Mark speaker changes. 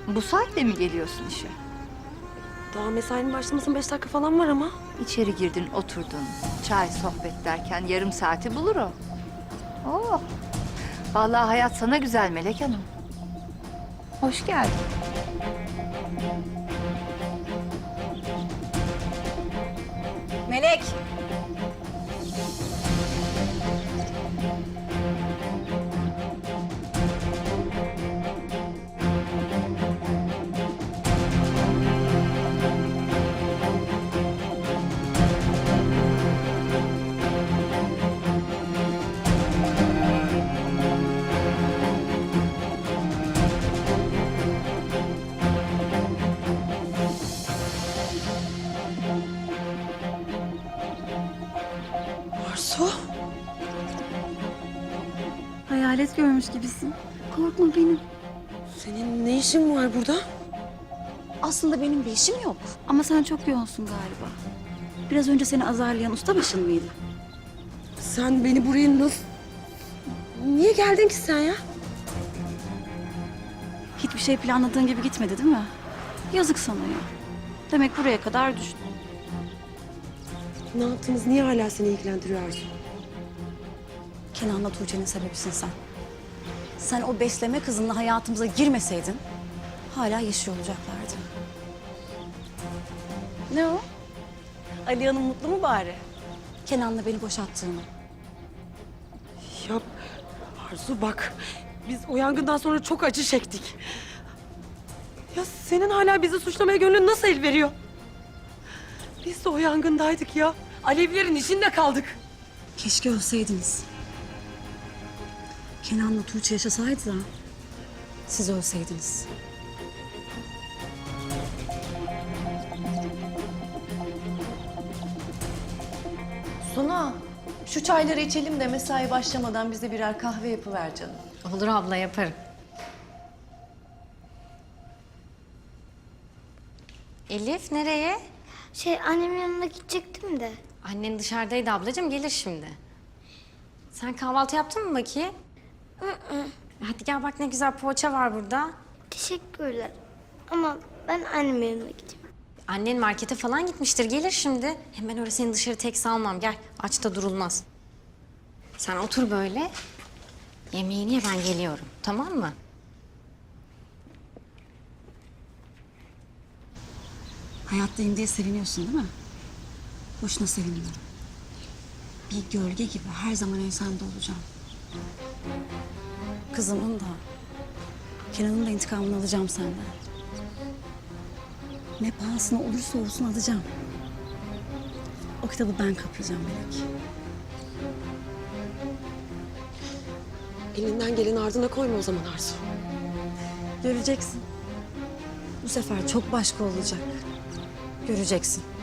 Speaker 1: Bu saatte mi geliyorsun işe?
Speaker 2: Daha mesainin başlamasının 5 dakika falan var ama.
Speaker 1: İçeri girdin, oturdun. Çay, sohbet derken yarım saati bulur o. Oh. Vallahi hayat sana güzel Melek Hanım. Hoş geldin.
Speaker 3: Melek.
Speaker 2: Arzu.
Speaker 3: Hayalet görmüş gibisin. Korkma benim.
Speaker 2: Senin ne işin var burada?
Speaker 3: Aslında benim bir işim yok. Ama sen çok yoğunsun galiba. Biraz önce seni azarlayan ustabaşın mıydı?
Speaker 2: Sen beni buraya nasıl... Niye geldin ki sen ya?
Speaker 3: Hiçbir şey planladığın gibi gitmedi değil mi? Yazık sana ya. Demek buraya kadar düştün.
Speaker 2: Ne yaptığımız niye hala seni ilgilendiriyor Arzu?
Speaker 3: Kenan'la Tuğçe'nin sebebisin sen. Sen o besleme kızınla hayatımıza girmeseydin... hala yaşıyor olacaklardı. Ne o? Ali Hanım mutlu mu bari? Kenan'la beni boşattığını.
Speaker 2: Ya Arzu bak, biz o yangından sonra çok acı çektik. Ya senin hala bizi suçlamaya gönlün nasıl el veriyor? Biz de o yangındaydık ya. Alevlerin içinde kaldık.
Speaker 3: Keşke ölseydiniz. Kenan'la Tuğçe yaşasaydı da siz ölseydiniz.
Speaker 4: Suna, şu çayları içelim de mesai başlamadan bize birer kahve yapıver canım.
Speaker 5: Olur abla, yaparım. Elif nereye?
Speaker 6: Annemin yanına gidecektim de.
Speaker 5: Annen dışarıdaydı ablacığım, gelir şimdi. Sen kahvaltı yaptın mı bakayım? Hadi gel bak, ne güzel poğaça var burada.
Speaker 6: Teşekkürler. Ama ben annemin yanına gideyim.
Speaker 5: Annen markete falan gitmiştir, gelir şimdi. Hemen öyle seni dışarı tek salmam, gel. Aç da durulmaz. Sen otur böyle. Yemeğini ye, ben geliyorum, tamam mı?
Speaker 3: Hayattayım diye seviniyorsun değil mi? Boşuna sevinme. Bir gölge gibi her zaman ensende olacağım. Kızımın da, Kenan'ın da intikamını alacağım senden. Ne pahasına olursa olsun alacağım. O kitabı ben kapayacağım Melek.
Speaker 2: Elinden geleni ardına koyma o zaman Arzu.
Speaker 3: Göreceksin. Bu sefer çok başka olacak. Göreceksin.